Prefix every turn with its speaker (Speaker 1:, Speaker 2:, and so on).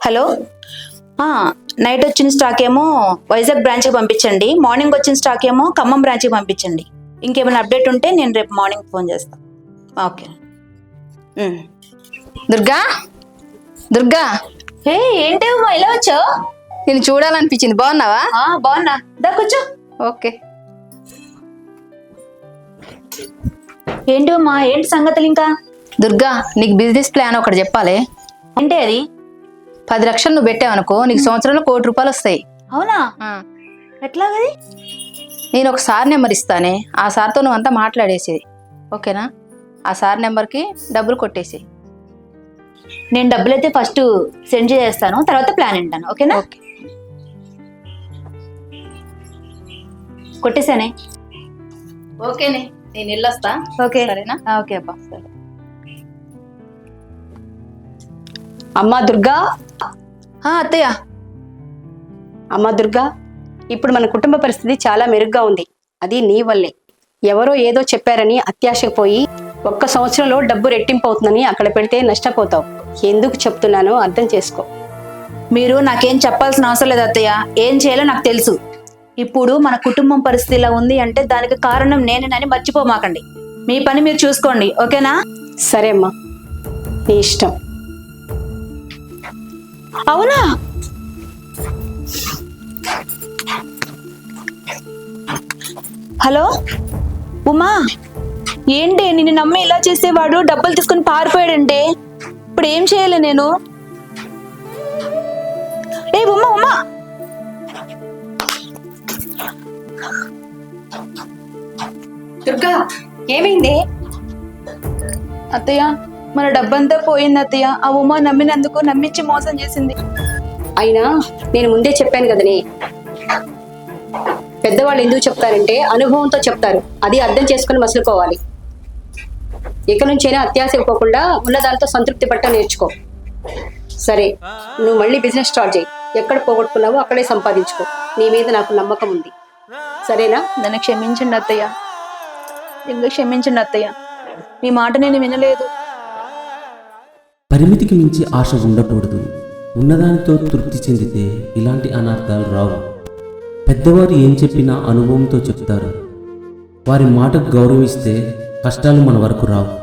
Speaker 1: Hello. Night వచ్చిన stock ఏమో వైజాగ్ బ్రాంచ్కి పంపించండి, మార్నింగ్ వచ్చిన స్టాక్ ఏమో ఖమ్మం బ్రాంచ్కి పంపించండి. ఇంకేమైనా అప్డేట్ ఉంటే నేను రేపు మార్నింగ్ ఫోన్ చేస్తాను. ఓకే.
Speaker 2: దుర్గా, దుర్గా,
Speaker 1: హే ఏంటి ఇలా వచ్చావు?
Speaker 2: నేను చూడాలనిపించింది. బాగున్నావా?
Speaker 1: బాగున్నా, దా కూర్చో.
Speaker 2: ఓకే.
Speaker 1: ఏంటి అమ్మా, ఏంటి సంగతులు? ఇంకా
Speaker 2: దుర్గా, నీకు బిజినెస్ ప్లాన్ ఒకటి చెప్పాలి.
Speaker 1: అంటే అది
Speaker 2: 10 లక్షలు నువ్వు పెట్టావనుకో, నీకు సంవత్సరంలో ₹1 కోటి వస్తాయి.
Speaker 1: అవునా? ఎట్లాగది?
Speaker 2: నేను ఒక సార్ నెంబర్ ఇస్తానే, ఆ సార్తో నువ్వు అంతా మాట్లాడేసేది. ఓకేనా? ఆ సార్ నెంబర్కి డబ్బులు కొట్టేసి.
Speaker 1: నేను డబ్బులు అయితే ఫస్ట్ సెండ్ చేస్తాను, తర్వాత ప్లాన్ వింటాను. ఓకేనా?
Speaker 2: ఓకే.
Speaker 1: కొట్టేసానే.
Speaker 2: ఓకేనే, నేను వెళ్ళొస్తా.
Speaker 1: ఓకే,
Speaker 2: సరేనా?
Speaker 1: ఓకే అబ్బా, సరే.
Speaker 3: అమ్మా దుర్గా,
Speaker 1: అత్తయ్య.
Speaker 3: అమ్మా దుర్గా, ఇప్పుడు మన కుటుంబ పరిస్థితి చాలా మెరుగ్గా ఉంది. అది నీ వల్లే. ఎవరో ఏదో చెప్పారని అత్యాశకు పోయి 1 సంవత్సరంలో డబ్బు రెట్టింపు అవుతుందని అక్కడ పెడితే నష్టపోతావు. ఎందుకు చెప్తున్నానో అర్థం చేసుకో.
Speaker 1: మీరు నాకేం చెప్పాల్సిన అవసరం లేదు అత్తయ్య, ఏం చేయాలో నాకు తెలుసు. ఇప్పుడు మన కుటుంబం పరిస్థితి ఇలా ఉంది అంటే దానికి కారణం నేనేనని మర్చిపోమాకండి. మీ పని మీరు చూసుకోండి. ఓకేనా?
Speaker 3: సరే అమ్మా, నీ ఇష్టం.
Speaker 1: అవునా? హలో ఉమా, ఏంటి నిన్ను నమ్మి ఇలా చేసేవాడు డబ్బులు తీసుకుని పారిపోయాడంటే ఇప్పుడు ఏం చేయాలి నేను? ఉమా ఉమా,
Speaker 3: దుర్గా, ఏమైంది?
Speaker 1: అత్తయ్య, మన డబ్బంతా పోయింది అత్తయ్య. ఆ ఉమా నమ్మినందుకు నమ్మించి మోసం చేసింది.
Speaker 3: అయినా నేను ముందే చెప్పాను కదనే, పెద్దవాళ్ళు ఎందుకు చెప్తారంటే అనుభవంతో చెప్తారు. అది అర్థం చేసుకుని మసులుకోవాలి. ఇక నుంచైనా అత్యాశ ఇవ్వకుండా ఉన్నదాంతో సంతృప్తి పట్ట నేర్చుకో. సరే, నువ్వు మళ్ళీ బిజినెస్ స్టార్ట్ చేయి. ఎక్కడ పోగొట్టుకున్నావో అక్కడే సంపాదించుకో. నీ మీద నాకు నమ్మకం ఉంది. సరేనా?
Speaker 1: నన్ను క్షమించండి అత్తయ్య, ఇంకా క్షమించండి అత్తయ్య. మీ మాట నేను వినలేదు.
Speaker 4: పరిమితికి మించి ఆశ ఉండకూడదు. ఉన్నదానితో తృప్తి చెందితే ఇలాంటి అనర్థాలు రావు. పెద్దవారు ఏం చెప్పినా అనుభవంతో చెప్తారు. వారి మాటకు గౌరవిస్తే కష్టాలు మన వరకు రావు.